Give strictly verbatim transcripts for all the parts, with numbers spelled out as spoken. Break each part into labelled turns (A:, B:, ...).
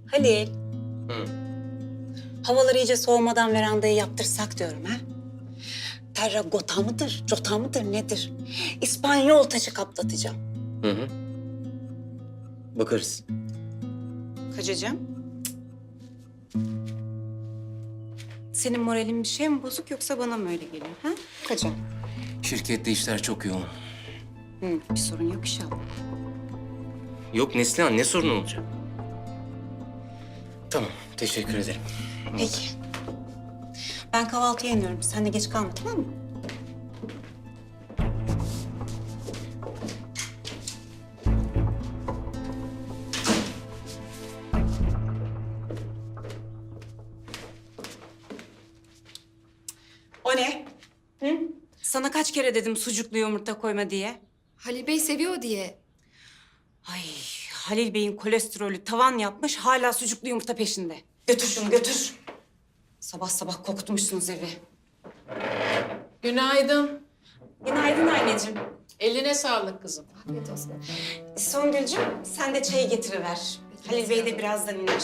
A: Halil,
B: Hı.
A: havalar iyice soğumadan verandayı yaptırsak diyorum ha. Terragota mıdır, cota mıdır nedir? İspanyol taşı kaplatacağım.
B: Hı hı. Bakarız.
A: Kaçacağım. Senin moralin bir şey mi bozuk yoksa bana mı öyle geliyor ha? Kaçacağım.
B: Şirkette işler çok yoğun.
A: Hı, bir sorun yok inşallah.
B: Yok Neslihan, ne sorun olacak? Tamam, teşekkür ederim.
A: Peki. Ben kahvaltıya iniyorum. Sen de geç kalma tamam mı? O ne? Hı? Sana kaç kere dedim sucuklu yumurta koyma diye.
C: Halil Bey seviyor diye.
A: Ay Halil Bey'in kolesterolü tavan yapmış hala sucuklu yumurta peşinde. Götür şunu götür. Sabah sabah kokutmuşsunuz evi.
D: Günaydın.
A: Günaydın anneciğim.
D: Eline sağlık kızım.
C: Afiyet olsun.
A: Songül'cüğüm sen de çayı getiriver. Halil Bey de birazdan iner.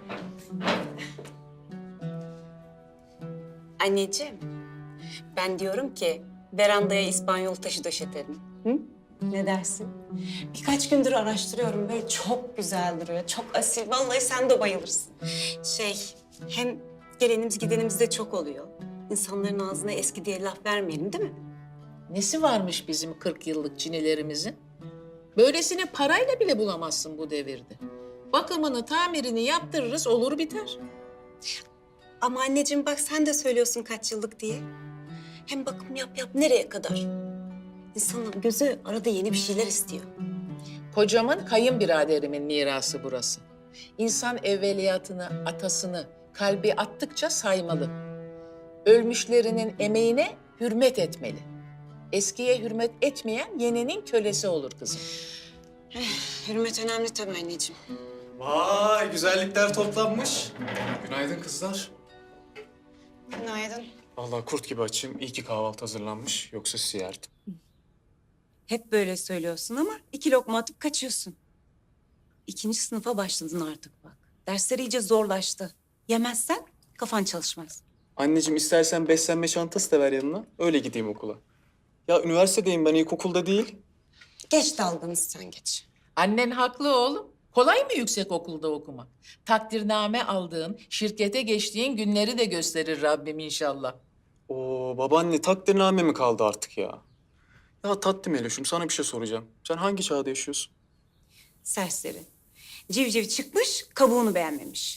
A: Anneciğim, ben diyorum ki verandaya İspanyol taşı döşetelim. Hı? Ne dersin? Birkaç gündür araştırıyorum. Böyle çok güzel duruyor. Çok asil. Vallahi sen de bayılırsın. Şey, hem gelenimiz gidenimiz de çok oluyor. İnsanların ağzına eski diye laf vermeyelim değil mi?
D: Nesi varmış bizim kırk yıllık çinilerimizin? Böylesini parayla bile bulamazsın bu devirde. Bakımını, tamirini yaptırırız, olur biter.
A: Ama anneciğim bak sen de söylüyorsun kaç yıllık diye. Hem bakım yap yap nereye kadar? İnsanın gözü arada yeni bir şeyler istiyor.
D: Kocamın kayınbiraderimin mirası burası. İnsan evveliyatını, atasını, kalbi attıkça saymalı. Ölmüşlerinin emeğine hürmet etmeli. Eskiye hürmet etmeyen yenenin kölesi olur kızım.
A: Hürmet önemli tabii anneciğim.
E: Vay güzellikler toplanmış. Günaydın kızlar.
A: Günaydın.
E: Vallahi kurt gibi açım. İyi ki kahvaltı hazırlanmış. Yoksa sizi yerdim.
A: Hep böyle söylüyorsun ama iki lokma atıp kaçıyorsun. İkinci sınıfa başladın artık bak. Dersler iyice zorlaştı. Yemezsen kafan çalışmaz.
E: Anneciğim istersen beslenme çantası da ver yanına. Öyle gideyim okula. Ya üniversitedeyim ben, ilkokulda değil.
A: Geç dalgını sen geç.
D: Annen haklı oğlum. Kolay mı yüksek okulda okumak? Takdirname aldığın, şirkete geçtiğin günleri de gösterir Rabbim inşallah.
E: Oo babaanne, takdirname mi kaldı artık ya? Ya tatlım Eloş'um, sana bir şey soracağım. Sen hangi çağda yaşıyorsun?
A: Serseri. Civciv çıkmış, kabuğunu beğenmemiş.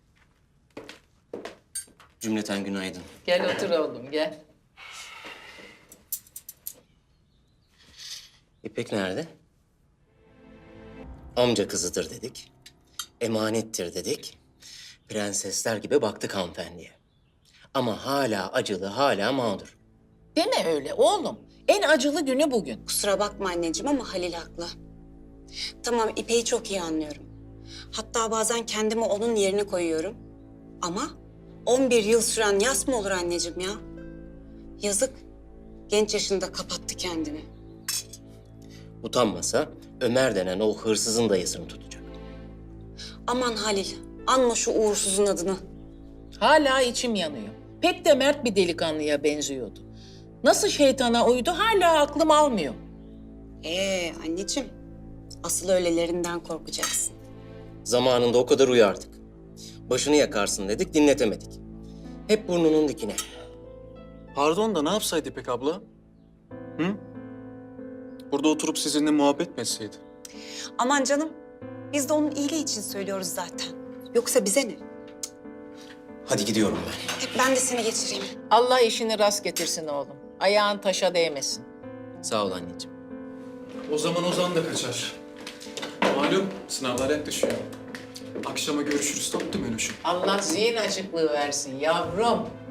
B: Cümleten günaydın.
D: Gel otur oğlum, gel.
B: İpek nerede? Amca kızıdır dedik. Emanettir dedik. Prensesler gibi baktık hanımefendiye. Ama hala acılı, hala mağdur.
D: Deme öyle oğlum. En acılı günü bugün.
A: Kusura bakma anneciğim ama Halil haklı. Tamam İpek'i çok iyi anlıyorum. Hatta bazen kendimi onun yerine koyuyorum. Ama on bir yıl süren yas mı olur anneciğim ya? Yazık. Genç yaşında kapattı kendini.
B: Utanmasa Ömer denen o hırsızın dayısını tutacak.
A: Aman Halil, anma şu uğursuzun adını.
D: Hala içim yanıyor. Pek de mert bir delikanlıya benziyordu. Nasıl şeytana uydu hala aklım almıyor.
A: Ee anneciğim, asıl öylelerinden korkacaksın.
B: Zamanında o kadar uyardık. Başını yakarsın dedik, dinletemedik. Hep burnunun dikine.
E: Pardon da ne yapsaydı İpek abla? Hı? Burada oturup sizinle muhabbet mi etseydi?
A: Aman canım, biz de onun iyiliği için söylüyoruz zaten. Yoksa bize ne?
B: Hadi gidiyorum ben.
A: Hep ben de seni geçireyim.
D: Allah işini rast getirsin oğlum. Ayağın taşa değmesin.
B: Sağ ol anneciğim.
E: O zaman Ozan da kaçar. Malum sınavlar yaklaşıyor. Akşama görüşürüz tatlım Eloş'um.
D: Allah zihin açıklığı versin yavrum.